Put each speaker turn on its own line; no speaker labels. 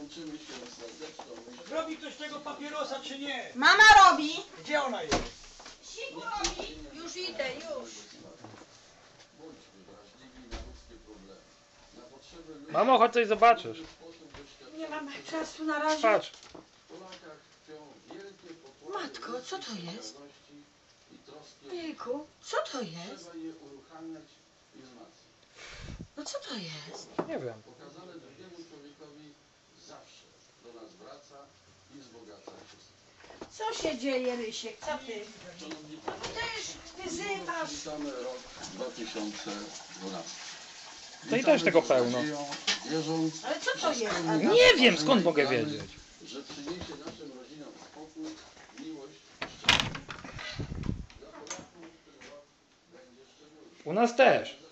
Łączymy się serdeczną myślą.
Robi ktoś tego papierosa, czy nie?
Mama robi.
Gdzie ona jest?
Siku robi. Już idę, już.
Bądźmy wrażliwi na ludzkie problemy. Na potrzeby ludzi.
Mamo, chodź coś zobaczysz.
Nie mam czasu na razie.
Patrz.
W Polakach tkwią wielkie pokłady.
Matko, co to jest?
I troski.
Ojejku, co to jest?
Trzeba je uruchamiać i wzmacniać.
No co to jest?
Nie wiem.
Pokazane drugiemu człowiekowi zawsze do nas wraca i wzbogaca wszystko.
Co się dzieje, Rysiek? Co ty?
Szanowni
No ty też wyzywasz.
Witamy rok 2012.
To i też tego pełno.
Wierząc,
Ale co to jest?
Nie wiem, skąd mogę wiedzieć.
że przyniesie naszym rodzinom spokój, miłość i szczęście. Dla Polaków ten rok będzie szczególny.
U nas też.